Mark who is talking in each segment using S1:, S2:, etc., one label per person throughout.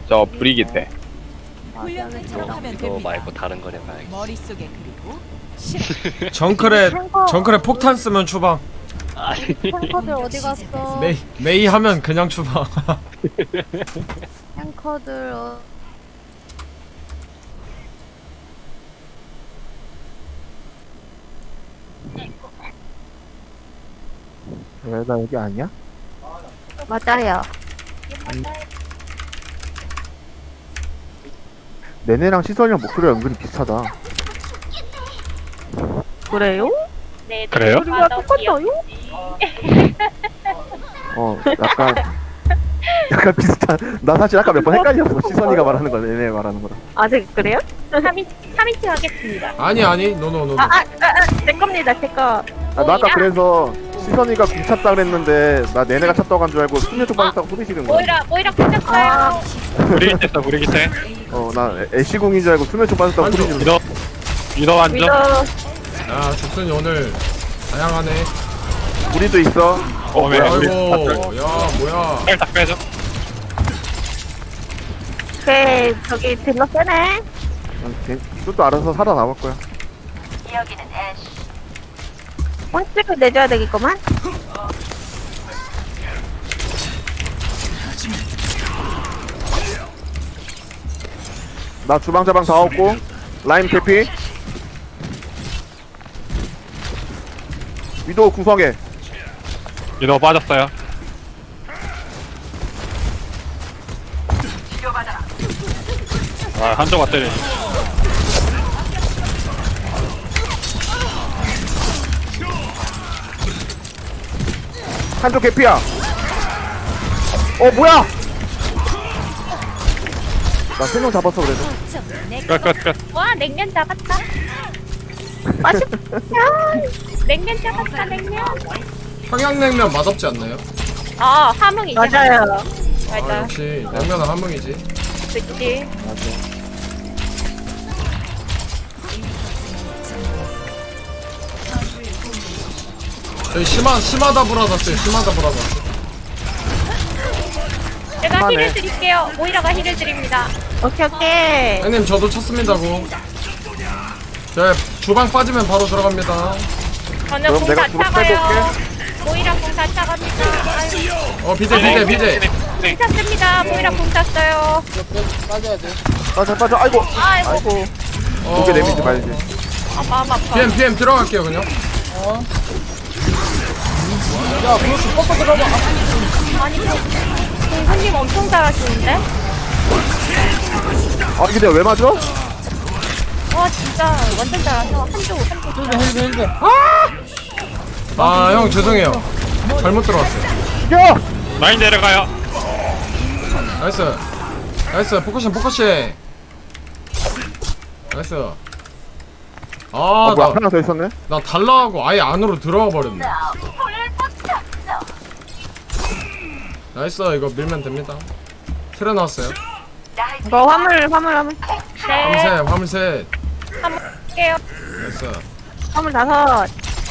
S1: 저 브리기테.
S2: 훈련을 잘 하면
S3: 이거
S2: 됩니다.
S3: 말고 다른 거냐 봐야겠다.
S2: 머릿속에 그리고
S4: 정크레 폭탄 쓰면 추방.
S3: 아니
S5: 탱커들 어디 갔어?
S4: 메이 하면 그냥 추방.
S5: 탱커들
S6: 왜 나 여기 아니야?
S5: 맞아요.
S6: 내내랑 시선이랑 목소리가 은근히 비슷하다.
S5: 그래요?
S7: 네,
S1: 그래요?
S5: 우리가 똑같아요?
S6: 약간 비슷한. 나 사실 아까 몇 번 헷갈렸어. 시선이가 말하는 거, 내내 말하는 거랑.
S5: 아직 그래요?
S7: 3인칭 하겠습니다.
S4: 아니 노노노.
S5: 제 겁니다, 제 거.
S6: 나 아까 그래서 시선이가 궁 찼다 그랬는데 나 내내가 찼다고 한 줄 알고 숙녀 쪽 빠졌다고 소리 지른 거야.
S7: 모이라 끊겼어요.
S1: 브리기테 써 브리기테.
S6: 나 애쉬궁인 줄 알고 숙녀 쪽 빠졌다고 소리 지른 거야.
S1: 위더 완전.
S5: 믿어.
S4: 야 죽순이 오늘 다양하네.
S6: 우리도 있어.
S1: 왜 우리
S4: 아이고 야 뭐야.
S1: 살짝 빼줘.
S5: 오케이, 저기 딜러 세네.
S6: 또 알아서 살아남을 거야.
S5: 뻥찍을 내줘야 되겠구만.
S6: 나 주방 자방 다 얻고 라임 캐피. 위도우 구성해.
S1: 위더 빠졌어요. 아 한조가 때리네.
S6: 한쪽 캐피야. 뭐야? 나 3명 잡았어 그래도.
S1: 끝.
S7: 와, 냉면 잡았다.
S5: 맛있다.
S7: 냉면 잡았다, 냉면.
S4: 평양냉면 맛없지 않나요?
S7: 함흥이지.
S5: 맞아요.
S4: 아
S7: 맞아.
S4: 역시 냉면은 함흥이지.
S7: 그치.
S4: 저희 심하다 브라더스 심하다 브라더스.
S7: 제가
S6: 하네.
S7: 힐을 드릴게요. 모이라가 힐을 드립니다.
S5: 오케이.
S4: 형님 저도 쳤습니다고. 저 주방 빠지면 바로 들어갑니다.
S7: 저는
S6: 그럼
S7: 공
S6: 내가
S7: 다
S6: 주로
S7: 차가요. 모이라 공 다 차갑니다. 아유,
S4: 비제.
S7: 공 찼습니다. 모이라 공 찼어요.
S6: 빠져. 아이고.
S7: 아이고,
S6: 고개 내밀지 말지.
S7: 마음 아파.
S4: PM 들어갈게요 그냥.
S7: 아니, 공수님 엄청 잘하시는데?
S6: 이게 내가 왜 맞아?
S7: 와, 진짜 완전 잘하셔. 한쪽.
S4: 아 형 죄송해요. 잘못 들어왔어요.
S6: 이겨!
S1: 라인 내려가요.
S4: 나이스 포커싱 나이스.
S6: 뭐야, 하나 더 있었네?
S4: 나 달라하고 아예 안으로 들어가 버렸네. 나이스 이거 밀면 됩니다. 틀어 나왔어요.
S5: 이거 화물.
S7: 네,
S4: 화물셋
S7: 한번 할게요.
S4: 나이스.
S5: 화물 5.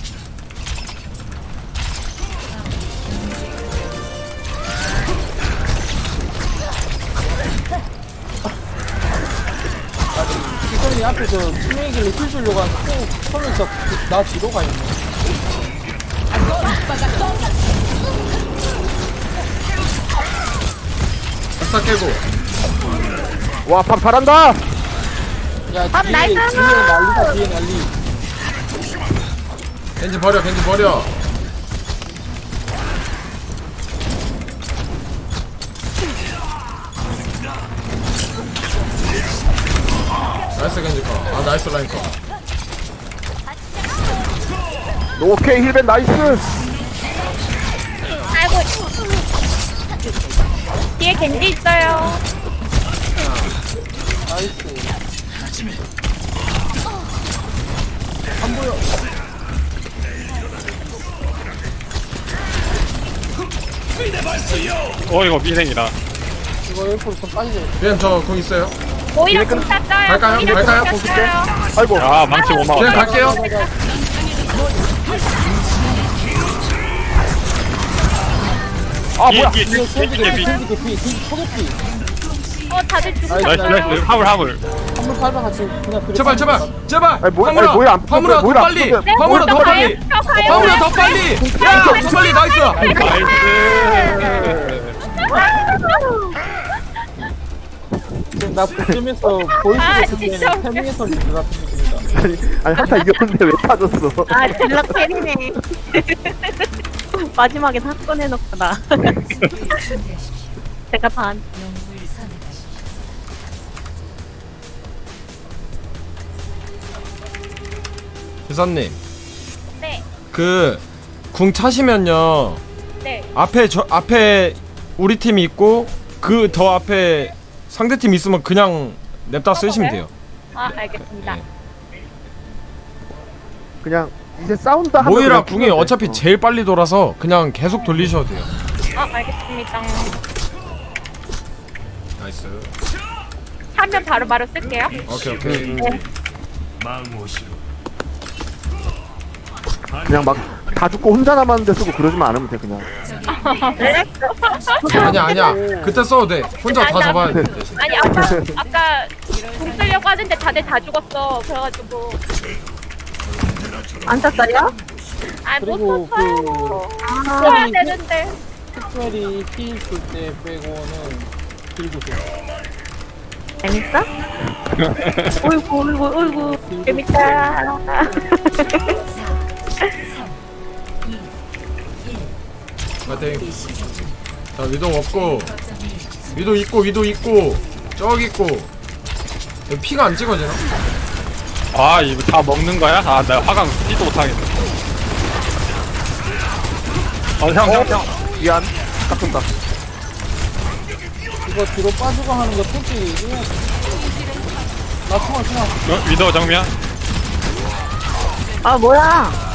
S8: 시선이 앞에서 투명이길래 힐 주려고 하는데 손에서 나 뒤로 가 있네.
S4: 싹 깨고.
S6: 와, 밥 잘한다!
S8: 야
S5: 아,
S8: 뒤에
S5: 나이스!
S8: 난리다 뒤에 난리.
S4: 겐지 버려. 나이스 겐지 거. 나이스 라인 거.
S6: 오케이, 힐벤 나이스!
S7: 아이고. 뒤에 겐지 있어요.
S8: 나이스.
S1: 이거 미생이다.
S8: 이거 옆으로 좀 빠지자.
S4: PM 저공 있어요.
S7: 모이라 공 찼어요.
S4: 갈까요?
S7: 모이라
S4: 갈까요?
S7: 공 찼어요.
S6: 아이고.
S1: 야 망치 못
S4: PM
S1: 막았다.
S4: 갈게요.
S6: 뭐야!
S1: 뒤에
S8: 뒤에 캔디 개피, 캔디 개피, 캔디 초개피.
S7: 다들
S1: 나이스 나이스 화물 화물.
S8: 한번 밟아 같이 그냥 그래.
S4: 제발 제발 제발.
S6: 아니, 뭐-
S4: 화물아
S6: 아니, 뭐야, 안
S4: 화물아 더
S6: 뭐야, 안
S4: 빨리.
S6: 붙었네.
S4: 화물아 더 빨리. 화물아 더 빨리. 야더 빨리 나이스.
S1: 나이스.
S8: 나 그쯤에서 보이스
S7: 아,
S8: 같은
S7: 진짜
S8: 데는
S7: 웃겨.
S8: 태밍에서 리드 같은 느낌이다.
S6: 아니 한타 이겼는데 왜 빠졌어?
S5: 아 딜러 캐리네. 마지막에 사건 해놓구나. 제가 반.
S4: 기사님
S7: 네.
S4: 그 궁 차시면요
S7: 네.
S4: 앞에 우리 팀이 있고 그 더 앞에 상대 팀 있으면 그냥 냅다 쓰시면 돼요.
S7: 알겠습니다.
S4: 네.
S6: 그냥 이제 싸운다 하면
S4: 모이라
S6: 그냥
S4: 궁이
S6: 죽으면 돼.
S4: 어차피 제일 빨리 돌아서 그냥 계속 돌리셔도 돼요.
S7: 알겠습니다.
S4: 나이스.
S7: 하면 바로 쓸게요.
S4: 오케이 오케이.
S6: 그냥 막 다 죽고 혼자 남았는데 쓰고 그러지만 않으면 돼 그냥.
S4: 아니야 그때 써도 돼. 혼자 다 잡아야 돼 대신.
S7: 아니 아까 공 쓰려고 하는데 다들 다 죽었어. 그래가지고
S5: 안 찼어요?
S8: 그리고
S7: 못 썼어요.
S5: 아,
S7: 써야 되는데.
S8: 특별히 힐 줄 때 빼고는 들고 줘.
S5: 재밌어? 어이구 재밌다.
S4: 파이팅. 자 위도 없고 위도 있고 저기 있고 여기 피가 안 찍어지나?
S1: 아 이거 다 먹는 거야? 아 나 화강 뛰도 못하겠네. 형.
S6: 미안. 깎은다.
S8: 이거 뒤로 빠지고 하는 거 솔직히 해야지. 나 총알.
S1: 위도 정면.
S5: 아 뭐야?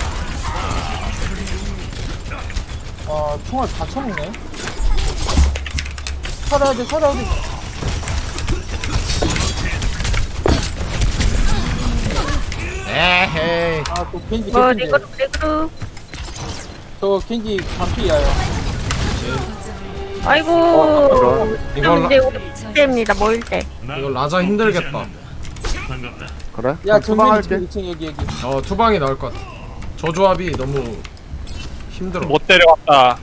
S8: 총알 다 쳐먹네. 살아야 돼.
S4: 에헤이.
S8: 또 겐지
S5: 뭐
S8: 개핀데.
S5: 리그룹.
S8: 저 겐지 반피야요.
S5: 아이고.
S4: 이거
S5: 이제 우리 때입니다. 모일 때.
S4: 이거 라자 힘들겠다.
S6: 그래?
S8: 야
S6: 그럼
S8: 정면이
S6: 투방할게.
S8: 2층 여기.
S4: 투방이 나을 것 같아. 저 조합이 너무 힘들어.
S1: 못 데려왔다.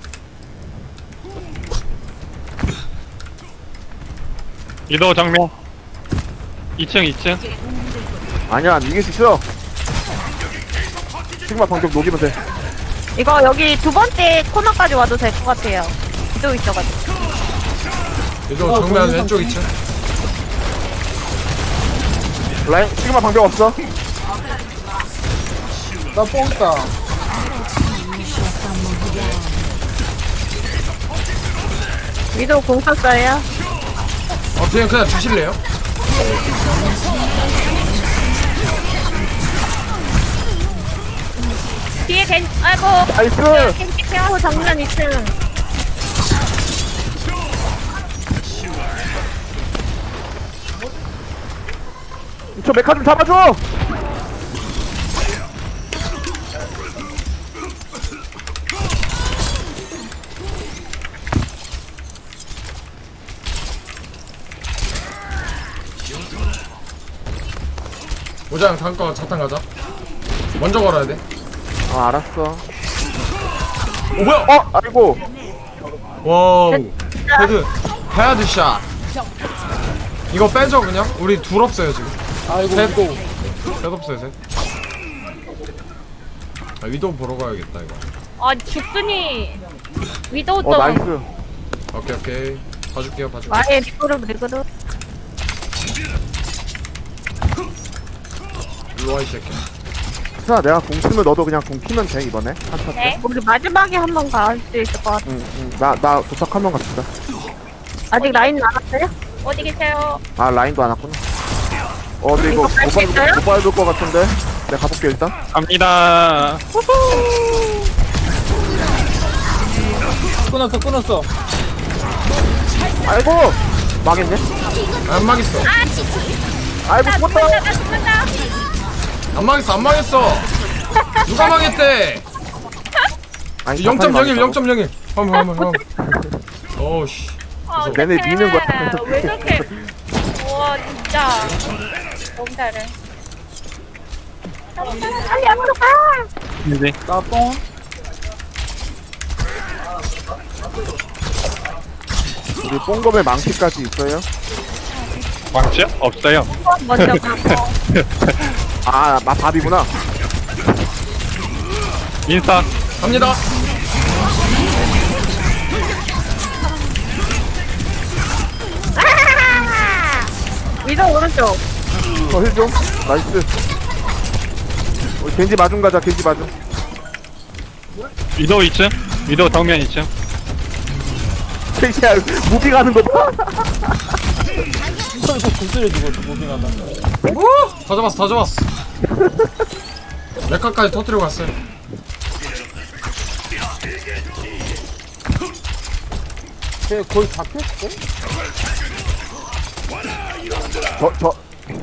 S1: 위도 정면. 2층.
S6: 아니야 이길 수 있어. 시그마 방금 녹이면 돼.
S5: 이거 여기 두 번째 코너까지 와도 될 것 같아요. 기도 있어가지고.
S4: 이거 정면 왼쪽 2층.
S6: 라인 시그마 방벽 없어.
S8: 나 뽕 있다.
S5: 위도 공 쳤어요.
S4: 그냥 주실래요?
S7: 뒤에 아이고.
S6: 나이스.
S7: 겐지 케어.
S5: 또 정면 2층.
S6: 저 메카 좀 잡아줘.
S4: 오장 다음 거 자탄 가자. 먼저 걸어야 돼.
S6: 알았어.
S4: 오 뭐야?
S6: 아이고.
S4: 와우. 헤드 샷. 이거 빼죠 그냥. 우리 둘 없어요 지금.
S8: 아이고
S4: 셋.
S8: 이거.
S4: 셋 없어요 셋. 위도우 보러 가야겠다 이거.
S7: 죽순이 위도우 좀.
S6: 나이스.
S4: 오케이. 봐줄게요.
S5: 와의 리그룹.
S4: 일로와 이 새끼야.
S6: 자 내가 공 쓰면 너도 그냥 공 피면 돼 이번에. 한타 때.
S7: 네.
S5: 우리 마지막에 한 번 갈 수 있을 것 같아.
S6: 나 도착 한번 갑시다.
S5: 아직 라인 남았어요?
S7: 어디 계세요?
S6: 아 라인도 안 왔구나. 근데 이거
S5: 이거 뺄수 있어요?
S6: 못 밟을 것 같은데. 내가 가볼게 일단.
S1: 갑니다.
S8: 끊었어.
S6: 아이고 망했네.
S4: 안 망했어.
S6: 아이고 죽었다.
S7: 나 죽는다.
S4: 안 망했어. 누가 망했대?
S6: 아니,
S4: 0.01. 화물. 어우씨.
S6: 얘네 미는 거야.
S7: 왜 저렇게 진짜 너무 잘해.
S5: 빨리 앞으로 가.
S1: 이제
S8: 나뽕
S6: 우리 뽕검에 망치까지 있어요?
S1: 광치요? 없어요.
S5: 먼저 가고.
S6: 아, 밥이구나.
S1: 인스타.
S4: 갑니다.
S5: 위도 오른쪽.
S6: 힐 좀. 나이스. 우리 겐지 마중 가자, 겐지 마중.
S1: 위도 2층. 위도 정면 2층.
S6: 겐지야, 무비 가는 거 봐.
S8: 이거 구슬해 주고 무빙하다.
S4: 다 잡았어, 다 잡았어. 레카까지 터뜨리고 갔어요.
S8: 쟤 거의 잡혔어?
S6: 저,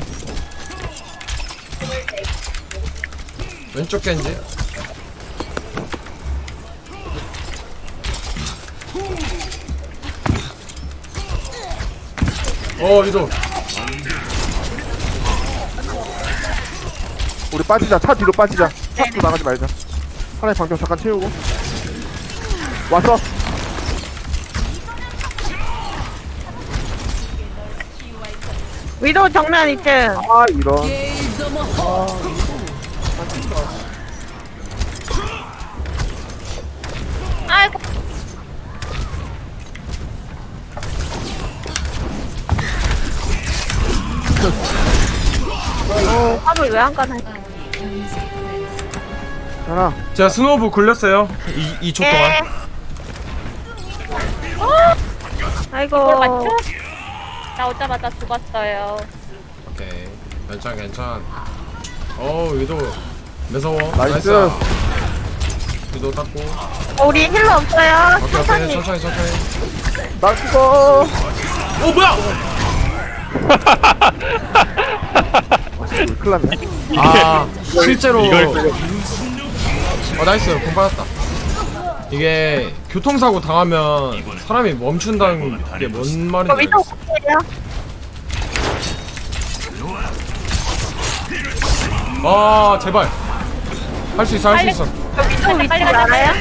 S4: 왼쪽 겐지. 위도.
S6: 우리 빠지자. 차 뒤로 빠지자. 차 뒤로 나가지 말자. 하나의 방벽 잠깐 채우고. 왔어.
S5: 위도 정면 2층.
S6: 아, 이런.
S7: 아이고.
S5: 화물 왜 안 가나?
S6: 하나.
S4: 제가 스노우볼 굴렸어요. 2초 동안.
S5: 예. 아이고.
S7: 이걸 맞죠? 나 오자마자 죽었어요.
S4: 오케이. 괜찮. 위도. 매서워.
S6: 나이스.
S4: 위도 닦고.
S5: 우리 힐러 없어요.
S4: 오케이.
S5: 천천히.
S4: 천천히.
S6: 나 죽어.
S4: 뭐야!
S6: 큰일 났네.
S4: 실제로.
S1: 이걸
S4: 나이스. 공 받았다. 이게 교통사고 당하면 사람이 멈춘다는 게 뭔 말인지
S5: 위도
S4: 알겠어.
S5: 없어요.
S4: 제발. 할 수 있어.
S5: 위도 위치
S7: 빨리 가자.
S5: 알아요?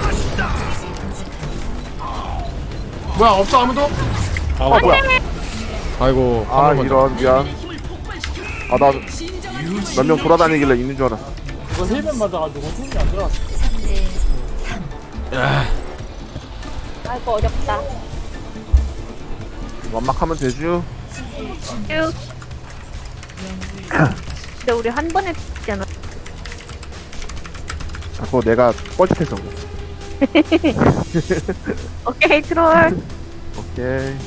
S4: 뭐야, 없어 아무도?
S6: 뭐야.
S4: 아이고.
S6: 아,
S4: 화물 먼저.
S6: 이런, 미안. 아, 나 몇 명 돌아다니길래 있는 줄 알았어.
S8: 이거 힐맨 맞아가지고 힘이 안 들어갔어.
S7: 아이고 어렵다.
S6: 완막하면 되죠.
S5: 쭉. 근데 우리 한 번에 죽잖아.
S6: 자꾸 내가 뻘짓해서.
S5: 오케이 트롤.
S6: 오케이.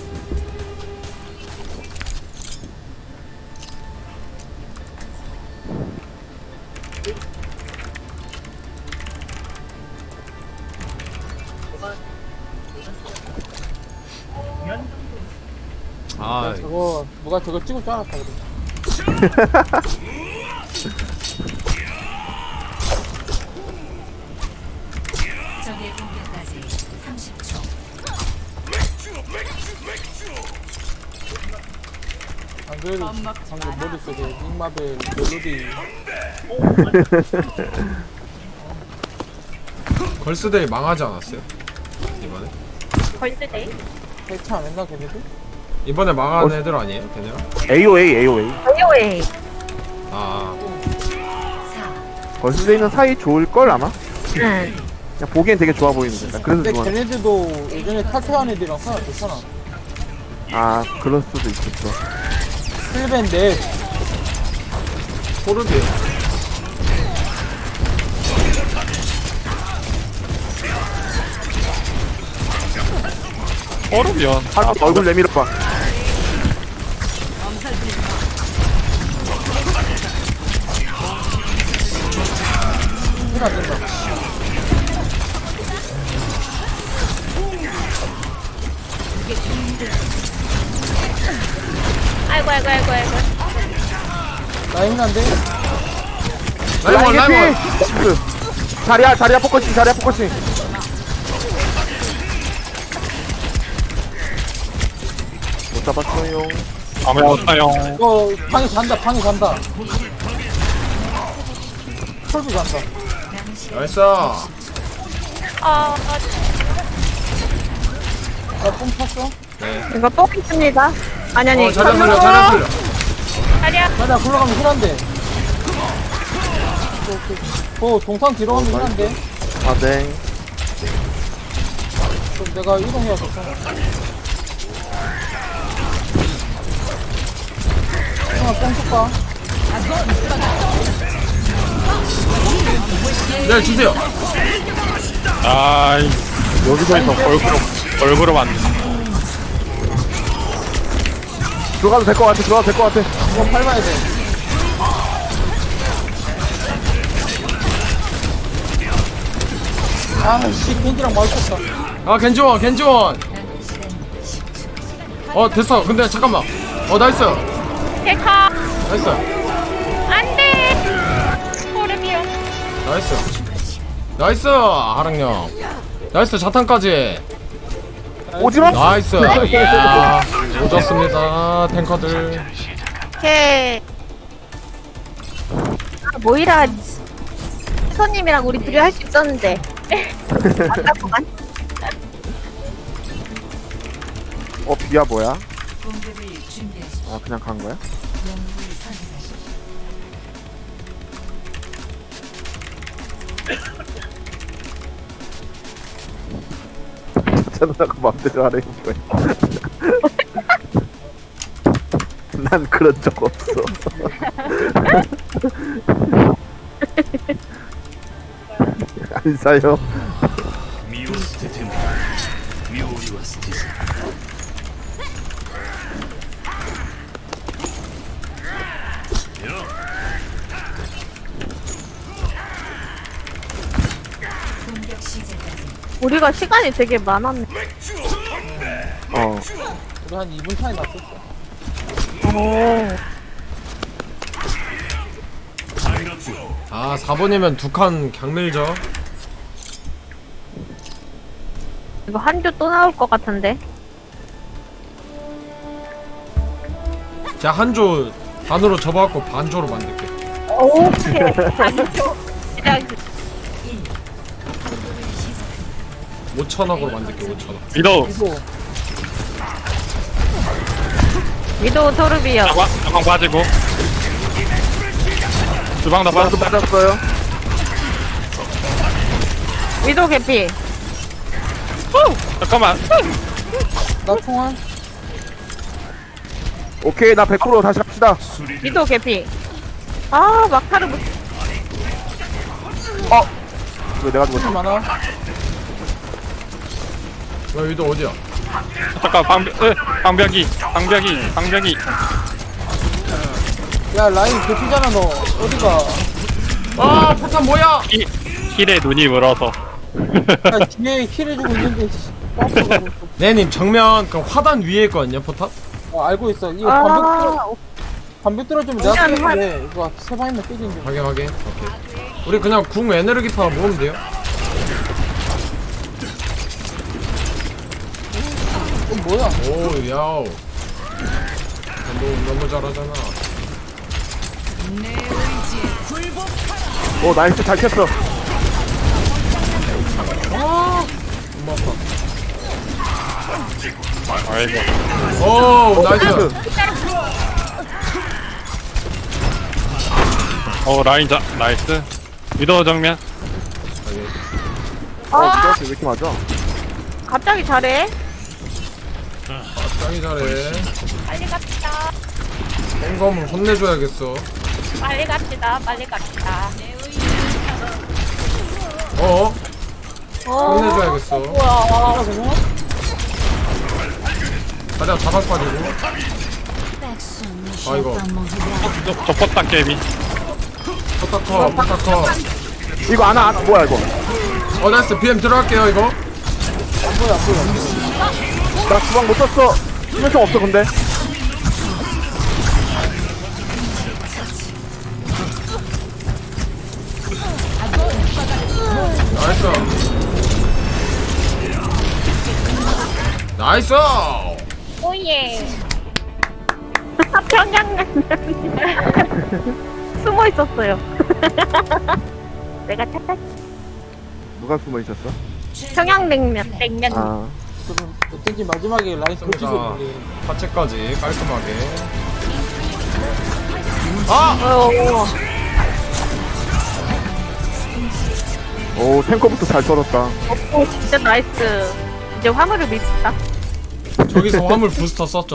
S8: 저거 누가 저거 찍을 줄 알았다 그래.
S2: 적의 공격까지 30초.
S8: 안 그래도 방금 머릿속에 닉마벨 멜로디
S4: 걸스데이 망하지 않았어요? 이번에?
S7: 걸스데이?
S8: 해체 안 했나 걔네들?
S4: 이번에 망한 애들 아니에요? 걔네가?
S6: AOA.
S5: 오요에.
S6: 걸스데 있는 사이 좋을걸, 아마?
S5: 응.
S6: 그냥 보기엔 되게 좋아 보이는데. 나 그래서
S8: 근데
S6: 좋아.
S8: 걔네들도 예전에 탈퇴한 애들이랑 하나 좋잖아.
S6: 아, 그럴 수도 있겠어.
S8: 힐맨 넷
S4: 포르비.
S1: 얼으면.
S6: 아, 얼굴 내밀어봐.
S8: 힐 안 된다.
S7: 아이고.
S8: 라인 안 돼?
S4: 라이벌.
S6: 자리야 포커싱. 못 잡았어요.
S1: 아무야 없어요.
S8: 방에 잔다 방에 잔다. 털도 잔다.
S4: 나이스.
S7: 아,
S8: 나뽕 탔어.
S5: 이거 뽕 있습니다. 아니
S4: 자리야 풀려 자리야 풀려.
S7: 자리야.
S8: 자리야 굴러가면 힐한데. 동상 뒤로 가면 힐한데.
S6: 아, 네.
S8: 그럼 내가 이동해야겠어. 뽕 줄까?
S4: 네 주세요.
S1: 아 여기서 있어 얼굴로 맞네.
S6: 들어가도 될 것 같아, 들어가도 될 것 같아.
S8: 이거 밟아야 돼. 아씨 겐지랑 마주쳤다.
S4: 아 겐지원 겐지원. 됐어. 근데 잠깐만. 나이스
S7: 데카.
S4: 나이스
S7: 안돼. 소름이요.
S4: 나이스 나이스 하랑령. 나이스 자탄까지.
S6: 오지마!
S4: 나이스. 이야 오졌습니다 탱커들.
S5: 오케이. 모이라 손님이랑 우리 둘이 할 수 있었는데. 아깝구만.
S6: 비야 뭐야?
S2: 공격을 준비하십시오.
S6: 그냥 간 거야?
S2: 영웅을 선택하십시오.
S6: 누나가 맘대로 하래, 뭐야. 난 그런 적 없어. 안 사요.
S2: 공격 시작까지
S5: 우리가 시간이 되게 많았네.
S8: 우리 한 2분 차이 났었어.
S4: 아 4번이면 두 칸 강밀죠.
S5: 이거 한조 또 나올 것 같은데.
S4: 제가 한조 반으로 접어갖고 반조로 만들게.
S5: 오케이.
S7: 그냥
S4: 5천억으로 만들게 5천억.
S1: 위도
S5: 위도우 토르비요.
S1: 가방 빠지고 주방 다
S6: 나도
S1: 빠졌어.
S6: 맞았어요.
S5: 위도우 개피.
S1: 잠깐만.
S8: 나 총알.
S6: 오케이, 나 100% 다시 합시다.
S5: 위도우 개피. 아 막타를 못.
S6: 왜 내가 죽었지?
S8: 힐 많아.
S4: 여기도 어디야?
S1: 잠깐 방벽이.
S8: 야 라인 개피잖아 너. 어디가?
S4: 아 포탄 뭐야?
S1: 힐에 눈이 물어서.
S8: 야 뒤에 힐 해주고 있는데. 뻔뻔하고 있어.
S4: 네님 정면 그 화단 위에 있거든요 포탄.
S8: 알고 있어. 이거
S5: 아
S8: 반벽 떨어지면 내가
S5: 그냥
S8: 깨지는데 이거 세 방이면 깨지는데.
S4: 확인 오케이. 우리 그냥 궁 에너지파 모으면 돼요.
S8: 이건 뭐야?
S4: 오 야우. 너무 잘하잖아.
S6: 나이스, 잘 켰어.
S4: 너무 아파.
S1: 아이고.
S4: 오 나이스.
S1: 라인 나이스. 위도 정면.
S6: 왜 이렇게 맞아?
S5: 갑자기 잘해.
S4: 짱이 잘해.
S7: 빨리 갑시다.
S4: 땡검을 혼내줘야겠어.
S7: 빨리 갑시다. 빨리 갑시다.
S4: 혼내줘야겠어.
S8: 아 그냥?
S4: 가자 자박 빠지고. 아 이거
S1: 저 포탑 게임이.
S4: 포타커.
S6: 이거 뭐야, 이거?
S4: 나이스 BM 들어갈게요 이거.
S6: 나 주방 못 썼어. 수면총 없어, 근데.
S4: 나이스.
S7: 오예.
S5: 평양냉면. 숨어 있었어요. 내가 찾았.
S6: 누가 숨어 있었어?
S5: 평양냉면.
S7: 냉면.
S6: 아
S8: 그럼 어쩐지 마지막에 라인 더
S4: 좋습니다.
S8: 찢어버리네.
S4: 파채까지 깔끔하게.
S6: 오 탱커부터 잘 썰었다.
S5: 오 진짜 나이스. 이제 화물을 믿다.
S4: 저기서 화물 부스터 썼죠.